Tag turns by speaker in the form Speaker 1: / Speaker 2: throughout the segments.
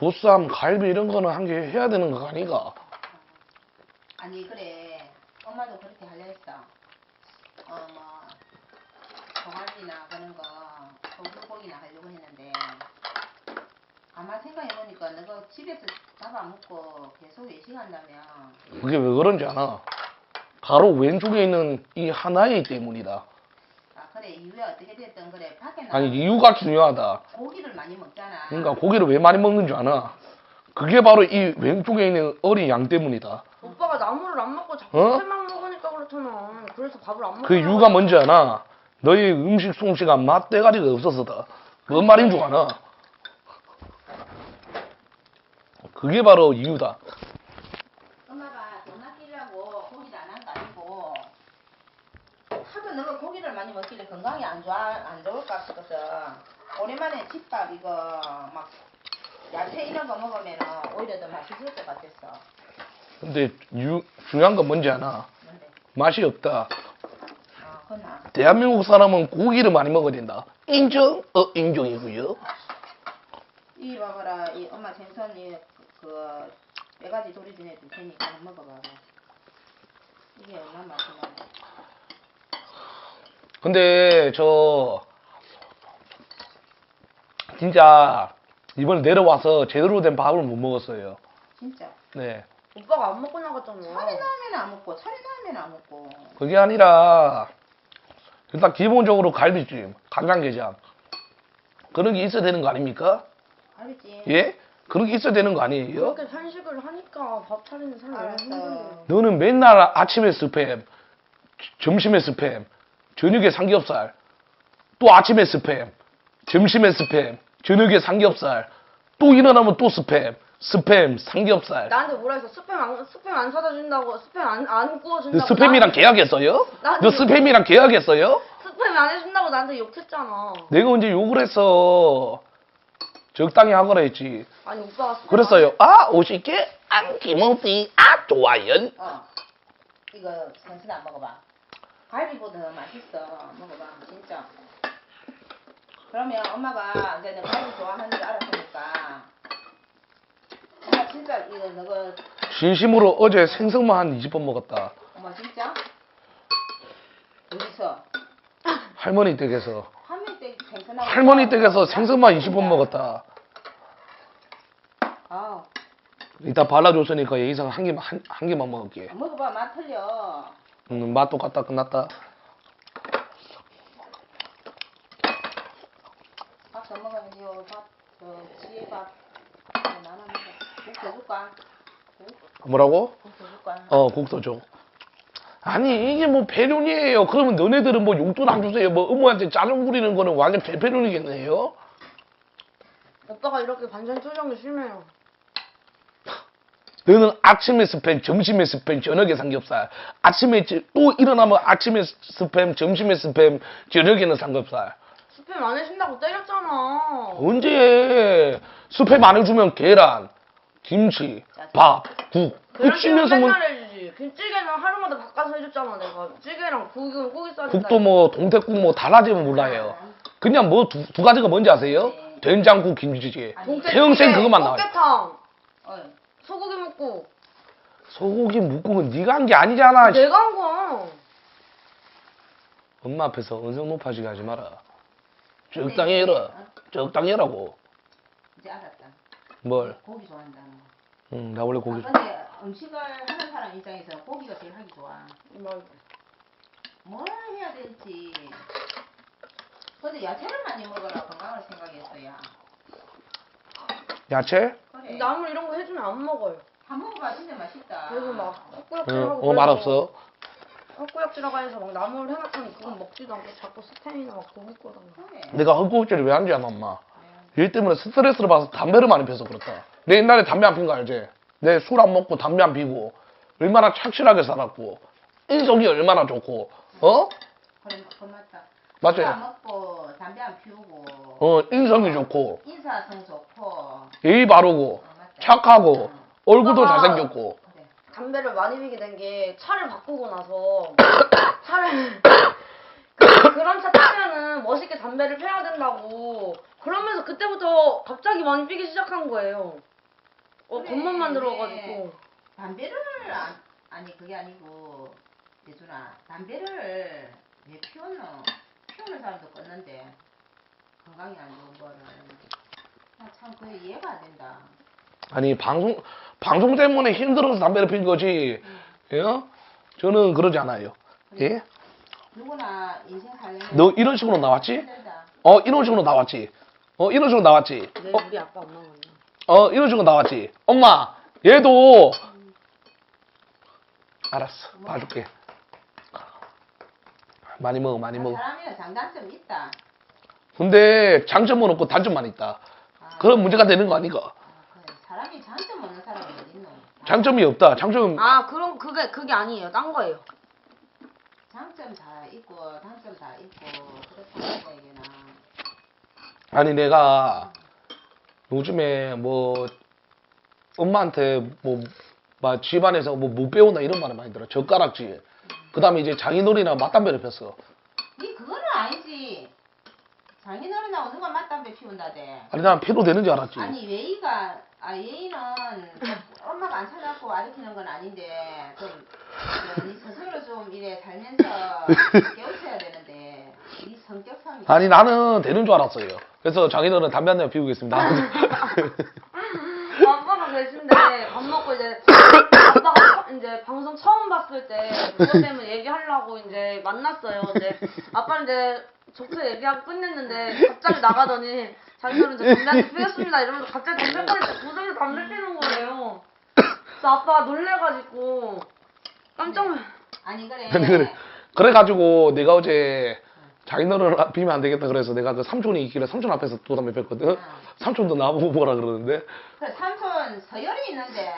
Speaker 1: 보쌈, 갈비 이런 거는 한 개 해야 되는 거 아니가?
Speaker 2: 아니 그래 엄마도 그렇게 하려 했어. 뭐 동아리나 그런 거 소불고기나 하려고 했는데 아마 생각해보니까 너가 집에서 잡아먹고 계속 외식한다면
Speaker 1: 그게 왜 그런지 아나? 바로 왼쪽에 있는 이 하나이기 때문이다.
Speaker 2: 아 그래 이유야 어떻게 됐든 그래 밖에
Speaker 1: 아니
Speaker 2: 나가서
Speaker 1: 이유가 중요하다.
Speaker 2: 고기를 많이 먹잖아.
Speaker 1: 그러니까 고기를 왜 많이 먹는 줄 아나? 그게 바로 이 왼쪽에 있는 어린 양 때문이다.
Speaker 3: 오빠가 나물을 안 먹고 자꾸
Speaker 1: 어?
Speaker 3: 회만 먹으니까 그렇잖아. 그래서 밥을 안 먹고.
Speaker 1: 그 이유가 뭔지 아나? 너희 음식 솜씨가 맛대가리가 없어서다. 뭔 말인 줄 아나? 그게 바로 이유다.
Speaker 2: 엄마가 돈 아끼려고 고기를 안 한 거 아니고 하도 너가 고기를 많이 먹길래 건강이 안 좋을까 싶어서 오랜만에 집밥 이거 막 야채 이런 거 먹으면 오히려 더 맛있을 것 같았어.
Speaker 1: 근데 중요한 건 뭔지 아나?
Speaker 2: 뭔데?
Speaker 1: 맛이 없다.
Speaker 2: 그나.
Speaker 1: 대한민국 사람은 고기를 많이 먹어야 된다. 인정? 인정이고요.
Speaker 2: 이 봐봐라, 이 엄마 생선 그 빼가지 조리 좀 해줄 테니까 한번 먹어봐봐. 이게 얼마나 맛있나?
Speaker 1: 근데 진짜 이번에 내려와서 제대로 된 밥을 못 먹었어요.
Speaker 2: 진짜.
Speaker 1: 네.
Speaker 3: 오빠가 안 먹고 나갔잖아.
Speaker 2: 차례 나면 안 먹고, 차례 나면 안 먹고.
Speaker 1: 그게 아니라 일단 기본적으로 갈비찜, 간장게장 그런 게 있어야 되는 거 아닙니까?
Speaker 2: 알겠지?
Speaker 1: 예? 그런 게 있어야 되는 거 아니에요?
Speaker 3: 그렇게 산식을 하니까 밥 차리는 사람이 너무
Speaker 2: 알았어.
Speaker 3: 힘든데.
Speaker 1: 너는 맨날 아침에 스팸, 점심에 스팸, 저녁에 삼겹살, 또 아침에 스팸, 점심에 스팸, 저녁에 삼겹살, 또 일어나면 또 스팸, 삼겹살.
Speaker 3: 나한테 뭐라 했어? 스팸 안 사다 준다고, 스팸 안 구워준다고.
Speaker 1: 너 스팸이랑 계약했어요? 너 스팸이랑 계약했어요?
Speaker 3: 스팸 안 해준다고 나한테 욕했잖아.
Speaker 1: 내가 언제 욕을 했어? 적당히 하거라 했지.
Speaker 3: 아니 오빠가 스팸
Speaker 1: 그랬어요. 아, 50개? 안 김없이. 아, 좋아요.
Speaker 2: 이거 생선 안 먹어봐. 갈비보다 더 맛있어. 먹어봐, 진짜. 그러면 엄마가 이제 너 갈비 좋아하는 줄 알았으니까 엄마 진짜 이거 너가
Speaker 1: 진심으로 어제 생선만 한 20번 먹었다.
Speaker 2: 엄마 진짜? 어디서?
Speaker 1: 할머니 댁에서.
Speaker 2: 생선하고
Speaker 1: 할머니 댁에서 생선만 20번 먹었다.
Speaker 2: 아,
Speaker 1: 이따 발라줬으니까 예의상 한 개만 먹을게.
Speaker 2: 먹어봐, 맛 틀려.
Speaker 1: 맛 똑같다, 끝났다.
Speaker 2: 밥 더 먹어야지요. 지혜 밥. 나눠 먹어. 국 더 줄까?
Speaker 1: 뭐라고?
Speaker 2: 국 더 줄까?
Speaker 1: 국도 줘. 아니, 이게 뭐 배륜이에요. 그러면 너네들은 뭐 용돈 안 주세요. 뭐 어머한테 짜증 부리는 거는 완전 배륜이겠네요.
Speaker 3: 오빠가 이렇게 반찬 투정이 심해요.
Speaker 1: 너는 아침에 스팸, 점심에 스팸, 저녁에 삼겹살. 아침에 또 일어나면 아침에 스팸, 점심에 스팸, 저녁에는 삼겹살.
Speaker 3: 스팸 안 해준다고 때렸잖아.
Speaker 1: 언제 스팸 안 해주면 계란, 김치, 밥, 국.
Speaker 3: 그럴 때는
Speaker 1: 찌면서 뭐
Speaker 3: 맨날 해주지. 김찌개는 하루마다 바꿔서 해줬잖아 내가. 찌개랑 고기 싸준다.
Speaker 1: 국도 뭐 동태국 뭐 달라지면 몰라요. 그냥 뭐 두 가지가 뭔지 아세요?
Speaker 2: 네.
Speaker 1: 된장국, 김치찌개.
Speaker 3: 동태찌개,
Speaker 1: 평생 그것만 나와요.
Speaker 3: 꽃게탕,
Speaker 2: 어이.
Speaker 3: 소고기 묵국.
Speaker 1: 소고기 묵국은 네가 한 게 아니잖아.
Speaker 3: 내가 한 거야.
Speaker 1: 엄마 앞에서 언성 높아지게 하지 마라. 적당히 해라. 적당히 해라고.
Speaker 2: 이제 알았다.
Speaker 1: 뭘?
Speaker 2: 고기 좋아한다는 거.
Speaker 1: 응, 나 원래 고기.
Speaker 2: 근데 음식을 하는 사람 입장에서 고기가 제일 하기 좋아. 뭘 해야 될지. 근데 야채를 많이 먹어라. 건강을 생각해서야.
Speaker 1: 야채?
Speaker 2: 그래.
Speaker 3: 나물 이런 거 해주면 안 먹어요.
Speaker 2: 한 먹어봐. 진짜 맛있다.
Speaker 3: 그래서 막
Speaker 1: 응,
Speaker 3: 헛구역질하고.
Speaker 1: 맛없어.
Speaker 3: 헛구역질하고 해서 막 나물 해놨더니 그건 먹지도 않고 자꾸 스팸이나 막 고기 구워 달라.
Speaker 2: 그래.
Speaker 1: 내가 헛구역질을 왜 하는지 아나, 엄마? 얘 때문에 스트레스를 받아서 담배를 많이 피워서 그렇다. 내 옛날에 담배 안 핀 거 알지? 내 술 안 먹고 담배 안 피고 얼마나 착실하게 살았고 인성이 얼마나 좋고
Speaker 2: 그래, 그 맞다.
Speaker 1: 맞지?
Speaker 2: 술 안 먹고 담배 안 피우고
Speaker 1: 인성이 좋고
Speaker 2: 인사성 좋고
Speaker 1: 예의 바르고
Speaker 2: 맞다.
Speaker 1: 착하고 얼굴도
Speaker 3: 오빠가
Speaker 1: 잘생겼고
Speaker 2: 그래.
Speaker 3: 담배를 많이 피게 된 게 차를 바꾸고 나서 차를 그런 차 타면은 멋있게 담배를 펴야 된다고 그러면서 그때부터 갑자기 많이 피기 시작한 거예요. 겉멋만 들어가지고.
Speaker 2: 담배를 아니 그게 아니고 예준아 담배를 왜 피웠노? 피우는 사람도 껐는데 건강이 안 좋은 거를 나참 그게 이해가 안 된다.
Speaker 1: 아니 방송 때문에 힘들어서 담배를 피는 거지. 예? 저는 그러지 않아요. 예?
Speaker 2: 누구나 인생 살려면
Speaker 1: 너 이런 식으로 나왔지?
Speaker 2: 힘들다.
Speaker 1: 이런 식으로 나왔지? 이런 식으로 나왔지?
Speaker 3: 네, 우리 아빠 엄마 만나.
Speaker 1: 이런 식으로 나왔지? 엄마, 얘도 알았어, 봐줄게. 많이 먹어, 많이 먹어.
Speaker 2: 사람이는 장단점이 있다.
Speaker 1: 근데 장점은 없고 단점만 있다. 그런 문제가 되는 거 아니가?
Speaker 2: 그래. 사람이 장점 없는 사람이 어디 있노?
Speaker 1: 장점이 없다. 장점
Speaker 3: 아, 그럼 그게 아니에요. 딴 거예요.
Speaker 2: 장점 다 있고 단점 다 있고 그렇다는 얘기나.
Speaker 1: 아니 내가 요즘에 뭐 엄마한테 막 집안에서 뭐 못 배운다 이런 말을 많이 들어. 젓가락질. 그다음에 이제 장인어른이랑 맞담배를 폈어.
Speaker 2: 니 그거는 아니지. 장인어른하고 누가 맞담배 피운다대.
Speaker 1: 아니 난 피로 되는 줄 알았지.
Speaker 2: 아니 예의는 엄마가 안 찾아갖고 가르치는 건 아닌데 니 스스로 좀 이래 살면서 깨우쳐야 되는데 니 성격상이.
Speaker 1: 아니 나는 되는 줄 알았어요. 그래서 장인어른 담배 한 대 피우겠습니다.
Speaker 3: 아빠가 계신데 밥 먹고 이제 아빠가 이제 방송 처음 봤을 때 그것 때문에 얘기하려고 이제 만났어요. 이제 아빠는 이제 좋게 얘기하고 끝냈는데 갑자기 나가더니 자기들은 이제 담배 한대 피웠습니다 이러면서 갑자기 담배까지 구석에 담배 피는 거예요. 그래서 아빠가 놀래가지고 깜짝 놀.
Speaker 2: 아니 그래.
Speaker 1: 그래가지고 내가 어제 장인어른 피면 안 되겠다 그래서 내가 그 삼촌이 있길래 삼촌 앞에서 또 담배 폈거든. 삼촌도 나보고 뭐라 그러는데.
Speaker 2: 그래 삼촌 서열이 있는데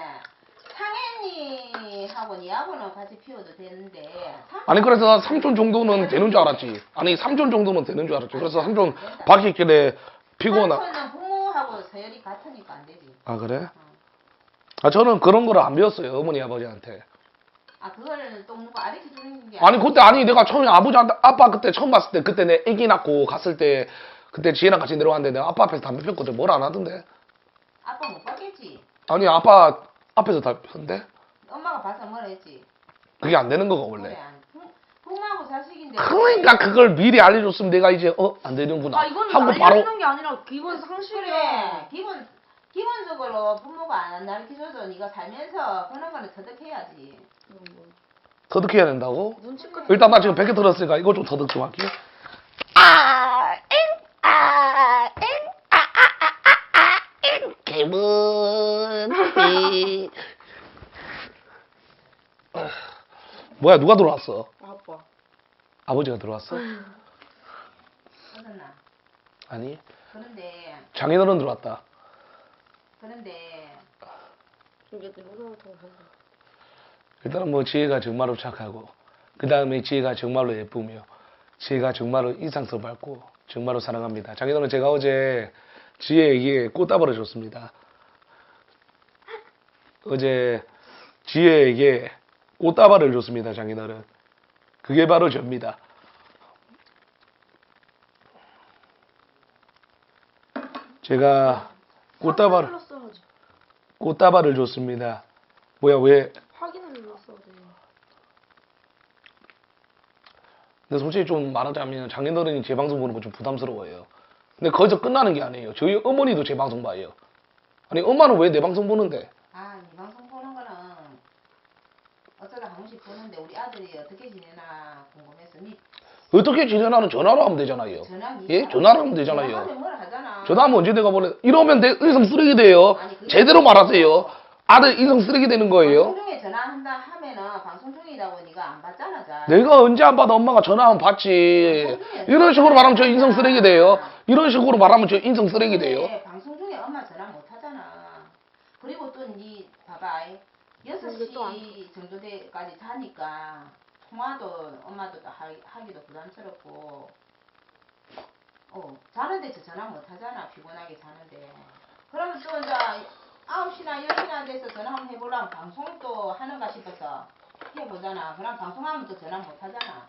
Speaker 2: 상현이하고 니하고는 같이 피워도 되는데.
Speaker 1: 아니 그래서 삼촌 정도는 되는 줄 알았지. 아니 삼촌 정도는 되는 줄 알았지. 그래서 삼촌 밖에 있길래 피고 나.
Speaker 2: 삼촌은 부모하고 서열이 같으니까 안 되지.
Speaker 1: 아 그래? 아 저는 그런 거를 안 배웠어요 어머니 아버지한테.
Speaker 2: 아 그거를 또 누가 가르쳐 주는 게
Speaker 1: 아니 그때 아니 내가 처음에 아빠 그때 처음 봤을 때 그때 내 아기 낳고 갔을 때 그때 지혜랑 같이 내려왔는데 내가 아빠 앞에서 담배 폈거든. 뭘 안 하던데.
Speaker 2: 아빠 못 봤겠지.
Speaker 1: 아니 아빠 앞에서 담배 폈는데
Speaker 2: 엄마가 봐서 뭐라 했지.
Speaker 1: 그게 안 되는 거가 원래.
Speaker 2: 그래 부모하고 자식인데.
Speaker 1: 그러니까 그걸 미리 알려줬으면 내가 이제 안 되는구나
Speaker 3: 아 이건
Speaker 1: 하고 바로.
Speaker 3: 알려주는 게 아니라 기본 상식이야.
Speaker 2: 그래 기본적으로 부모가 안 가르쳐줘도 네가 살면서 그런 거는 터득해야지.
Speaker 1: 터득해야 된다고?
Speaker 3: 눈치껏.
Speaker 1: 일단 나 지금 100개 들었으니까 이거 좀 터득 좀 할게. 기분. 뭐야 누가 들어왔어?
Speaker 3: 아빠.
Speaker 1: 아버지가 들어왔어?
Speaker 2: 그렇나.
Speaker 1: 아니
Speaker 2: 그런데
Speaker 1: 장인어른 들어왔다.
Speaker 3: 이게 누구부터
Speaker 1: 일단은 뭐 지혜가 정말로 착하고 그 다음에 지혜가 정말로 예쁘며 지혜가 정말로 인상스럽고 정말로 사랑합니다. 장인어른 제가 어제 지혜에게 꽃다발을 줬습니다. 어제 지혜에게 꽃다발을 줬습니다. 장인어른. 그게 바로 접니다. 제가 꽃다발을 줬습니다. 뭐야 왜?
Speaker 3: 확인을 눌렀어야 돼.
Speaker 1: 근데 솔직히 좀 말하자면 장인어른이 제 방송 보는 거 좀 부담스러워요. 근데 거기서 끝나는 게 아니에요. 저희 어머니도 제 방송 봐요. 아니 엄마는 왜 내 방송 보는데?
Speaker 2: 아, 이 방송 보는 거는 어쩌다 한 번씩 보는데 우리 아들이 어떻게 지내나 궁금해서 니
Speaker 1: 어떻게 지내나는 전화로 하면 되잖아요.
Speaker 2: 전화
Speaker 1: 예? 전화로 하면 되잖아요.
Speaker 2: 전화하면 뭐라 하잖아.
Speaker 1: 전화하면 언제 내가 보내? 이러면 내 인성 쓰레기 돼요.
Speaker 2: 아니, 그게
Speaker 1: 제대로 말하세요. 아들 인성 쓰레기 되는 거예요.
Speaker 2: 방송 중에 전화한다 하면은 방송 중이라고 네가 안 받잖아, 잘.
Speaker 1: 내가 언제 안 받아 엄마가 전화하면 받지. 이런 식으로 말하면 저 인성 쓰레기 돼요. 이런 식으로 말하면 저 인성 쓰레기 돼요.
Speaker 2: 근데 방송 중에 엄마 전화 못 하잖아. 그리고 또 니 봐봐.
Speaker 3: 근데 또 안
Speaker 2: 6시 정도 때까지 자니까 통화도 엄마도 또 하기도 부담스럽고. 자는데 저 전화 못 하잖아. 피곤하게 자는데. 그러면 또 이제 9시나 10시나 돼서 전화 한번 해보려면 방송도 하는가 싶어서 해보잖아. 그럼 방송하면 또 전화 못 하잖아.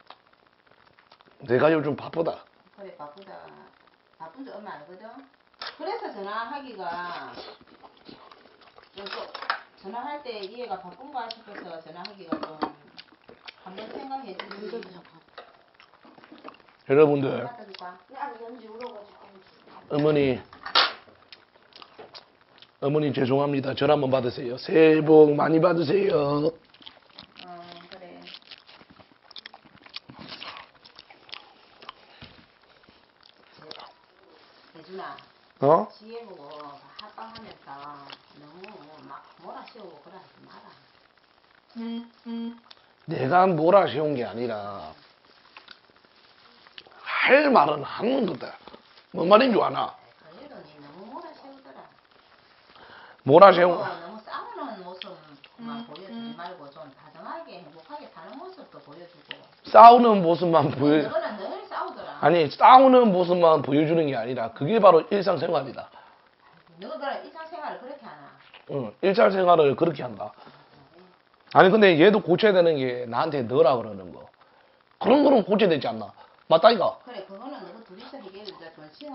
Speaker 1: 내가 요즘 바쁘다.
Speaker 2: 그래 바쁘다. 바쁜 줄 얼마 알거든. 그래서 전화하기가 또 전화할 때 이해가 바쁜가 싶어서 전화하기가 좀 한번 생각해 주지.
Speaker 1: 여러분들,
Speaker 2: 갖다 줄까?
Speaker 3: 아니 연지 울어가지고.
Speaker 1: 어머니 죄송합니다. 전화 한번 받으세요. 새해 복 많이 받으세요.
Speaker 2: 그래. 예준아,
Speaker 1: 어?
Speaker 2: 지혜 보고 합방하면서 너무 막 몰아씌우고 그러지 마라.
Speaker 1: 내가 몰아세운 게 아니라 할 말은 하는 거다. 뭔 말인 줄 아나?
Speaker 2: 그래도 니 너무 몰아씌우더라.
Speaker 1: 몰아세운
Speaker 2: 너무 싸우는 모습만 보여주지 말고 좀 다정하게 행복하게 사는 모습도 보여주고.
Speaker 1: 싸우는 모습만 보여.
Speaker 2: 너는 늘 싸우더라.
Speaker 1: 아니 싸우는 모습만 보여주는 게 아니라 그게 바로 일상생활이다.
Speaker 2: 너가 그럼 일상생활을 그렇게 하나?
Speaker 1: 응, 일상생활을 그렇게 한다. 아니 근데 얘도 고쳐야 되는 게 나한테 너라 그러는 거. 그런 거는 고쳐야 되지 않나? 맞다 이거.
Speaker 2: 그래 그거는 너가 둘이서 해결해주자.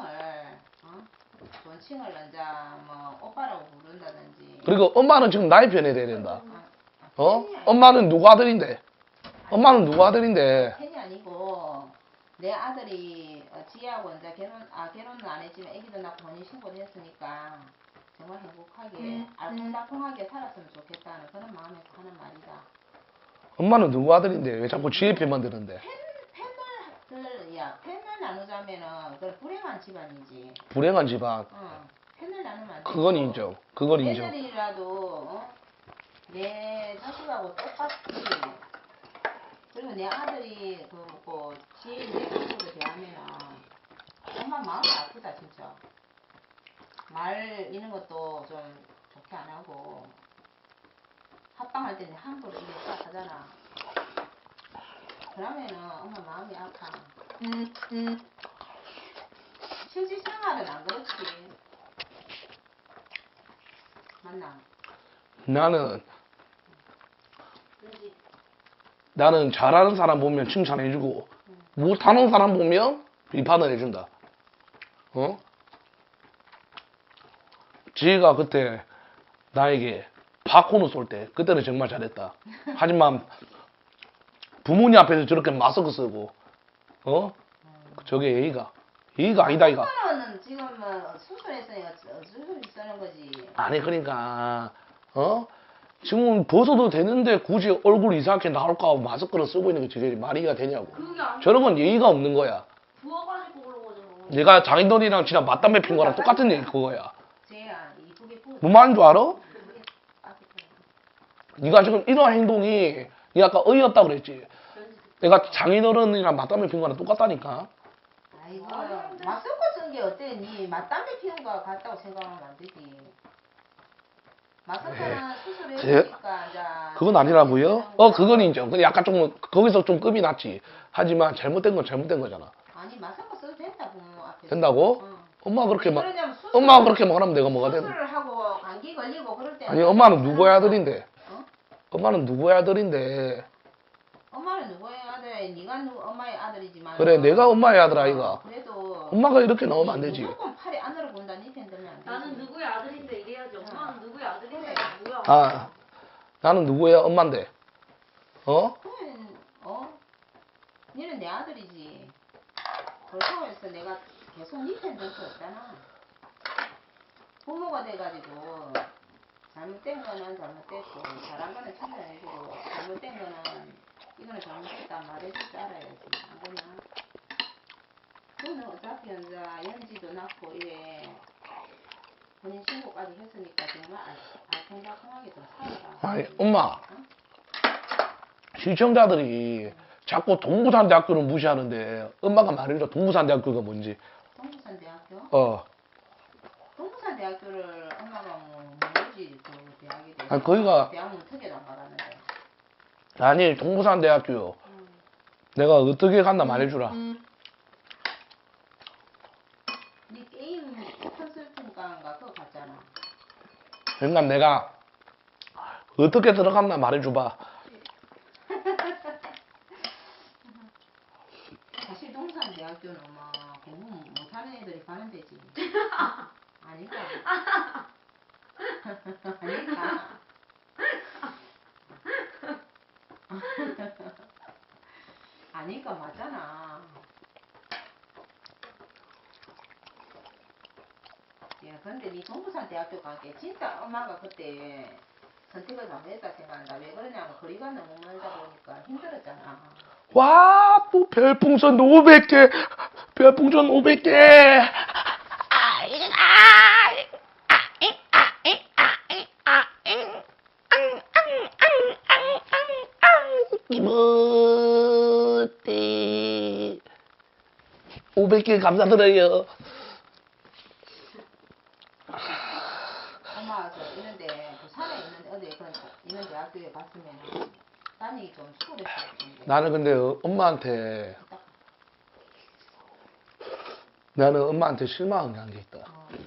Speaker 2: 존칭을 이제 뭐 오빠라고 부른다든지.
Speaker 1: 그리고 엄마는 지금 나의 편에 돼야 된다. 어?
Speaker 2: 팬이
Speaker 1: 엄마는 누구 아들인데? 엄마는 누구 아들인데?
Speaker 2: 팬이 아니고 내 아들이 지혜하고 이제 결혼은 안 했지만 애기도 낳고 혼인신고를 했으니까 정말 행복하게 알콩달콩하게 살았으면 좋겠다는 그런 마음에서 하는 말이다.
Speaker 1: 엄마는 누구 아들인데? 왜 자꾸 지혜 편만 드는데?
Speaker 2: 팬을 나누자면은 그건 불행한 집안이지.
Speaker 1: 불행한 집안.
Speaker 2: 팬을 나누면 안 돼.
Speaker 1: 그건 인정. 그건 인정.
Speaker 2: 애들이라도 내 자식하고 똑같이 그리고 내 아들이 그 지혜 내 모습을 대하면은 엄마 마음이 아프다 진짜. 말 이런 것도 좀 좋게 안 하고 합방할 때는 함부로 이렇게 딱 하잖아. 그러면은 엄마 마음이 아파. 실질생활은 안 그렇지. 맞나?
Speaker 1: 나는 잘하는 사람 보면 칭찬해주고 못하는 사람 보면 비판을 해준다. 어? 지혜가 그때 나에게 팝콘을 쏠 때 그때는 정말 잘했다. 하지만 부모님 앞에서 저렇게 마스크 쓰고 저게 예의가 아니다 이가.
Speaker 2: 오빠는 지금 뭐 수술했으니까 수술이 쓰는 거지.
Speaker 1: 아니 그러니까 지금 벗어도 되는데 굳이 얼굴 이상하게 나올까 하고 마스크를 쓰고 있는 게 저게 말이가 되냐고.
Speaker 3: 그게 아니고
Speaker 1: 저런 건 예의가 없는 거야.
Speaker 3: 부어가지고 그런 거죠.
Speaker 1: 내가 장인어른이랑 지난 맞담배 핀 거랑 똑같은 얘기 그거야.
Speaker 2: 쟤야 이쁘게 부어.
Speaker 1: 뭔 말인 줄 알아?
Speaker 2: 이쁘게 빠졌더라.
Speaker 1: 네가 지금 이런 행동이 네가 아까 어이없다 그랬지. 내가 장인어른이랑 맞담배 핀 거랑 똑같다니까.
Speaker 2: 아이고 마스크 쓴 게 어때? 니 맞담배 피운 거 같다고 생각하면 안 되지. 마스크는 수술했으니까 이제
Speaker 1: 그건 아니라고요? 그건 인정. 근데 약간 좀 거기서 좀 급이 났지. 하지만 잘못된 건 잘못된 거잖아.
Speaker 2: 아니 마스크 써도 된다 부모 앞에서.
Speaker 1: 된다고?
Speaker 2: 응.
Speaker 1: 엄마가 그렇게 막
Speaker 2: 그러냐면 수술-
Speaker 1: 엄마가 그렇게 말하면 내가 뭐가 되는?
Speaker 2: 수술을 하고 감기 걸리고 그럴 때
Speaker 1: 아니 엄마는 누구의 아들인데?
Speaker 2: 어?
Speaker 1: 엄마는 누구의 아들인데?
Speaker 2: 엄마는 누구의 아들? 네가 엄마의 아들이지만
Speaker 1: 그래 내가 엄마의 아들 아이가.
Speaker 2: 그래도
Speaker 1: 엄마가 이렇게 나오면 안 되지.
Speaker 2: 무조건 팔이 안으로 본다 니편 들면 안 되지.
Speaker 3: 나는 누구의 아들인데 이래야지. 엄마는 누구의 아들인데 뭐야?
Speaker 1: 아 나는 누구의 엄마인데?
Speaker 2: 그러면 니는 내 아들이지. 그렇다고 해서 내가 계속 니편 들 수 없잖아. 부모가 돼가지고 잘못된 거는 잘못됐고 잘한 거는 칭찬해주고 잘못된 거는 이거는 잘못했다 말해줄 줄 알아야지. 안 그러나? 너는 어차피 이제 연지도 낳고 이래 혼인신고까지 했으니까 정말 알콩달콩하게 좀 살아라.
Speaker 1: 아니 엄마 시청자들이 자꾸 동부산대학교를 무시하는데 엄마가 말해줘 동부산대학교가 뭔지.
Speaker 2: 동부산대학교? 동부산대학교를 엄마가 모르지 그 대학에 대해서.
Speaker 1: 아니, 거기가-
Speaker 2: 대학은 특혜도 안 받았는데.
Speaker 1: 아니 동부산대학교 내가 어떻게 갔나 말해주라.
Speaker 2: 니 게임 컨설팅과인가 그거 갔잖아.
Speaker 1: 그러니까 내가 어떻게 들어갔나 말해줘봐.
Speaker 2: 사실 동산대학교는 뭐 공부 못하는 애들이 가는 데지. 아닌가? 아니까. 아니까 맞잖아. 야, 근데 니 동부산 대학교 가게 진짜 엄마가 그때 선택을 잘못했다 생각한다. 왜 그러냐면 거리가 너무 멀다 보니까 힘들었잖아.
Speaker 1: 와, 또 별풍선 500개. 별풍선 500개. 이모띠. 500개 감사드려요.
Speaker 2: 엄마가 저 있는데 부산에 있는데 어디 그런 있는 대학교에 갔으면 다니기 좀 수월했을 텐데.
Speaker 1: 나는 근데 나는 엄마한테 실망한 게 있다.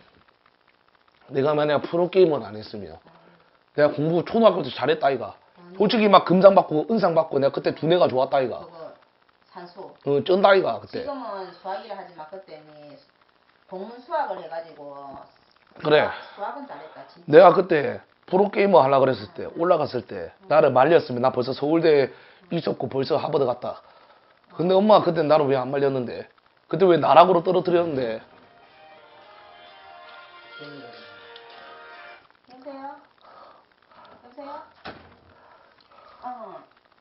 Speaker 1: 내가 만약 프로게이머를 안 했으면 내가 공부 초등학교 때 잘했다 이가. 솔직히 막 금상 받고 은상 받고 내가 그때 두뇌가 좋았다 이가.
Speaker 2: 그거 산소.
Speaker 1: 쩐다 이가 그때.
Speaker 2: 지금은 수학이라 하지만 그때는 동문 수학을 해가지고
Speaker 1: 그래.
Speaker 2: 수학은 잘했다 진짜.
Speaker 1: 내가 그때 프로게이머 하려고 그랬을 때 올라갔을 때 나를 말렸으면 나 벌써 서울대 있었고 벌써 하버드 갔다. 근데 엄마가 그때 나를 왜 안 말렸는데? 그때 왜 나락으로 떨어뜨렸는데?
Speaker 2: 여보세요? 여보세요? 어.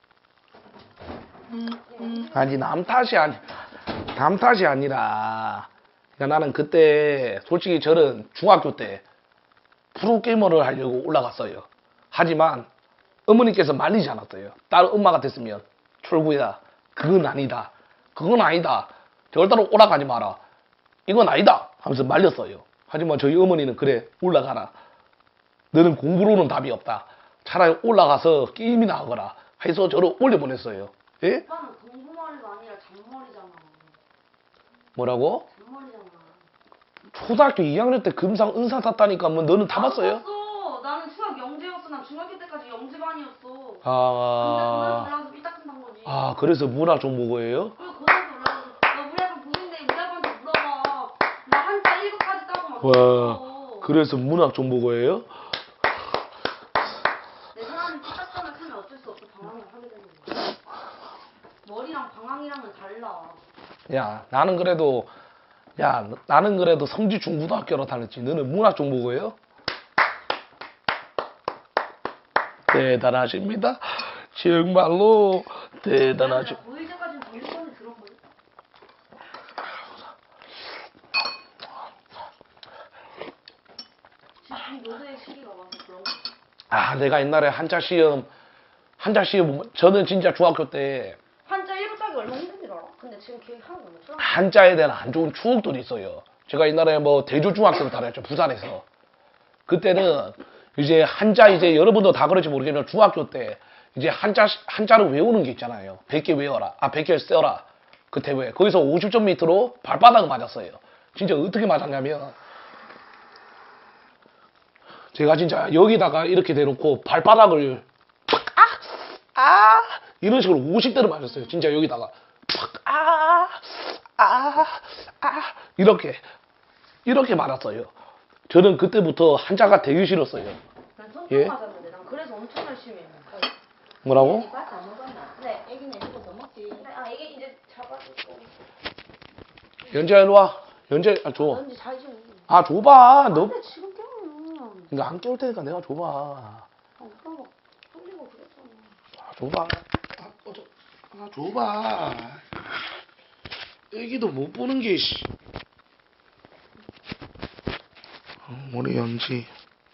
Speaker 1: 아니 남 탓이 아니라 그러니까 나는 그때 솔직히 저는 중학교 때 프로게이머를 하려고 올라갔어요. 하지만 어머니께서 말리지 않았어요. 딸 엄마가 됐으면 철구야 그건 아니다. 그건 아니다. 절대로 올라가지 마라. 이건 아니다 하면서 말렸어요. 하지만 저희 어머니는 그래 올라가라. 너는 공부로는 답이 없다. 차라리 올라가서 게임이나 하거라 해서 저를 올려보냈어요. 예?
Speaker 3: 오빠는 공부머리가 아니라 잔머리잖아.
Speaker 1: 뭐라고?
Speaker 3: 잔머리잖아.
Speaker 1: 초등학교 2학년 때 금상 은상 탔다니까 뭐 너는 다 봤어요?
Speaker 3: 탔어. 나는 수학 영재였어. 난 중학교 때까지 영재반이었어. 근데 고등학교
Speaker 1: 아,
Speaker 3: 올라가서 삐딱한 단 거지.
Speaker 1: 아 그래서 문화 정보고예요?
Speaker 3: 그리고 고등학교 올라가서 너 우리 학교 부인데 우리 학교한테 물어봐. 나 한자 1급까지 따고 막
Speaker 1: 와,
Speaker 3: 그랬어.
Speaker 1: 그래서 문학 정보고예요?
Speaker 3: 내 사람이 삐딱하면 크면 어쩔 수 없어. 방황을 하게 되는 거야. 머리랑 방황이랑은 달라.
Speaker 1: 야, 나는 그래도 성지 중고등학교로 다녔지. 너는 문학 정보고예요? 대단하십니다. 정말로 대단하시.
Speaker 3: 고1 때까지는 정신권이 들었거든. 지금 노래의 시기가 와서 그런 거.
Speaker 1: 아, 내가 옛날에 한자 시험 저는 진짜 중학교 때
Speaker 3: 한자 1급 따기 얼마나 힘든지 알아? 근데 지금 기억이 하나도 안 나.
Speaker 1: 한자에 대한 안 좋은 추억들이 있어요. 제가 옛날에 뭐 대조중학교를 다녔죠. 부산에서. 그때는 이제 한자 이제 여러분도 다 그럴지 모르겠지만 중학교 때 이제 한자를 외우는 게 있잖아요. 100개 외워라. 100개 써라. 그 대회. 거기서 50점 밑으로 발바닥을 맞았어요. 진짜 어떻게 맞았냐면 제가 진짜 여기다가 이렇게 대놓고 발바닥을 팍, 이런 식으로 50대를 맞았어요. 진짜 여기다가 이렇게 맞았어요. 저는 그때부터 한자가 되게 싫었어요.
Speaker 3: 난 손톱
Speaker 1: 예?
Speaker 3: 맞았는데 난 그래서 엄청 열심히 했는데.
Speaker 1: 뭐라고?
Speaker 2: 밥다 먹었나?
Speaker 3: 네.
Speaker 2: 애기는 이거 더 먹지.
Speaker 3: 이게 이제 잡아주고.
Speaker 1: 연재야 일로 와. 연재 줘.
Speaker 3: 넌지 잘 좀.
Speaker 1: 줘봐. 너
Speaker 3: 근데 지금 깨우면.
Speaker 1: 그러니까 안 깨울 테니까 내가 줘봐.
Speaker 3: 오빠가 뚫리고 그랬잖아.
Speaker 1: 줘봐. 줘봐. 애기도 못 보는 게 씨. 우리 연지.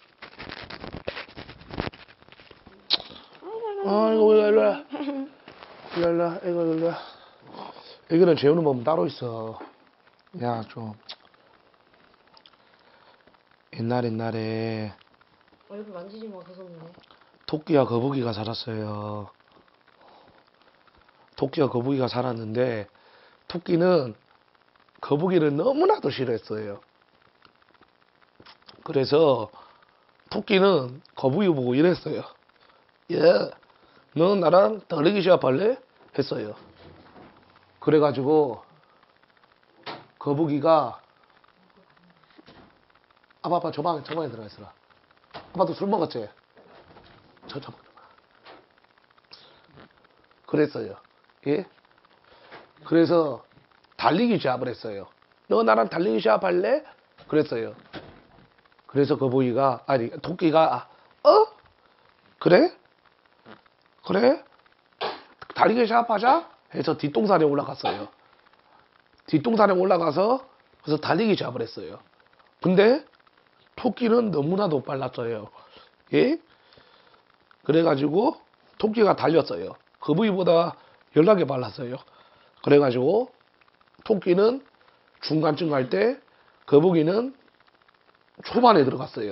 Speaker 1: 이거 일로 와. 일로 와. 이거 일로 와. 애기는 재우는 법은 따로 있어. 야, 좀. 옛날에
Speaker 3: 얼굴 만지지 마 계속네.
Speaker 1: 토끼와 거북이가 살았어요. 토끼와 거북이가 살았는데 토끼는 거북이를 너무나도 싫어했어요. 그래서 토끼는 거북이 보고 이랬어요. 야, 너 나랑 더리기 시합할래? 했어요. 그래가지고 거북이가 아빠 저방에 들어가 있어라. 아빠도 술 먹었지? 저 잡아. 그랬어요. 예? 그래서 달리기 시합을 했어요. 너 나랑 달리기 시합 할래? 그랬어요. 그래서 거북이가 아니 토끼가 그래? 그래? 달리기 시합 하자? 해서 뒷동산에 올라갔어요. 뒷동산에 올라가서 그래서 달리기 시합을 했어요. 근데 토끼는 너무나도 빨랐어요. 예? 그래가지고 토끼가 달렸어요. 거북이보다 연락이 빨랐어요. 그래가지고 토끼는 중간쯤 갈 때 거북이는 초반에 들어갔어요.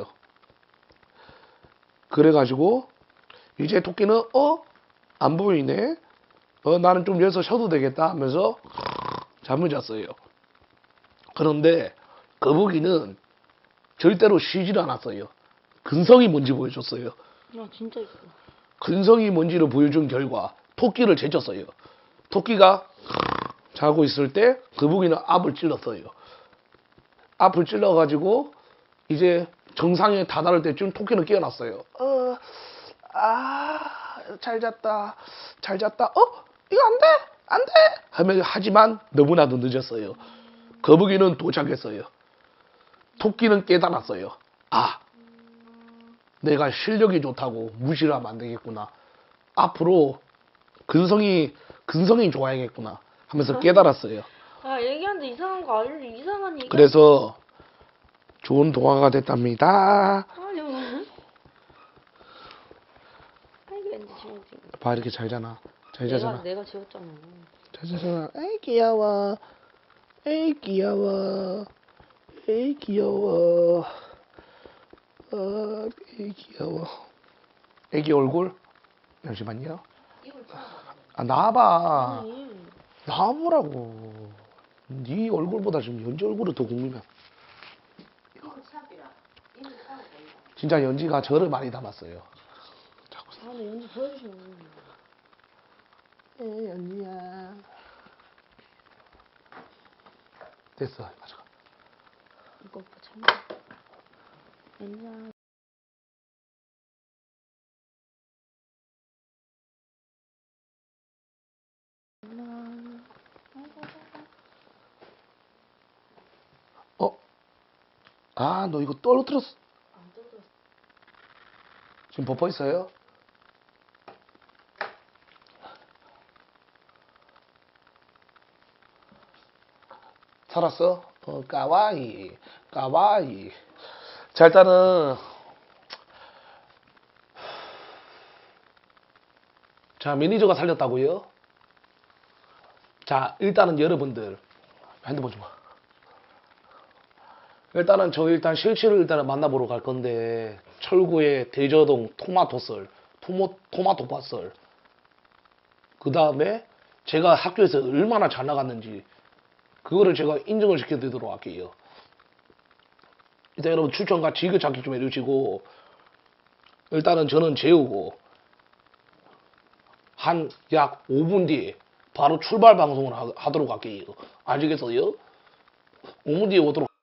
Speaker 1: 그래가지고 이제 토끼는 안 보이네. 나는 좀 여기서 쉬어도 되겠다 하면서 잠을 잤어요. 그런데 거북이는 절대로 쉬질 않았어요. 근성이 뭔지 보여줬어요.
Speaker 3: 아 진짜 있어.
Speaker 1: 근성이 뭔지를 보여준 결과 토끼를 제쳤어요. 토끼가 자고 있을 때 거북이는 앞을 찔렀어요. 앞을 찔러가지고 이제 정상에 다다를 때쯤 토끼는 깨어났어요. 잘 잤다. 잘 잤다. 이거 안 돼! 안 돼! 하지만 너무나도 늦었어요. 거북이는 도착했어요. 토끼는 깨달았어요. 내가 실력이 좋다고 무시를 하면 안 되겠구나. 앞으로 근성이 좋아야겠구나 하면서 깨달았어요.
Speaker 3: 아 얘기하는데 이상한 거 알려 이상한 얘기.
Speaker 1: 그래서 좋은 동화가 됐답니다.
Speaker 3: 아니 뭐. 아이고 왠지 지워지.
Speaker 1: 봐 이렇게 잘 자나. 잘 자잖아.
Speaker 3: 내가 지웠잖아.
Speaker 1: 잘 자잖아. 에이 귀여워. 에이 귀여워. 에이 귀여워. 에이 귀여워. 애기 얼굴? 잠시만요. 나와봐. 나와보라고. 네 얼굴보다 지금 연지 얼굴이 더 궁금해. 진짜 연지가 저를 많이 닮았어요.
Speaker 3: 근데 연지 보여주시면.
Speaker 1: 연지야. 됐어. 가져가.
Speaker 3: 이거 오빠 참. 연지야.
Speaker 1: 너 이거 떨어뜨렸어.
Speaker 3: 안 떨어졌어.
Speaker 1: 지금 버퍼 있어요? 살았어? 까와이. 까와이. 자, 일단은. 자, 매니저가 살렸다고요? 자, 일단은 여러분들. 핸드폰 좀 봐. 일단은 일단 실치를 일단은 만나보러 갈 건데 철구의 대저동 토마토 밭썰 그 다음에 제가 학교에서 얼마나 잘 나갔는지 그거를 제가 인정을 시켜드리도록 할게요. 일단 여러분 추천과 지그찾기 좀 해주시고 일단은 저는 재우고 한 약 5분 뒤에 바로 출발 방송을 하도록 할게요. 아시겠어요? 5분 뒤에 오도록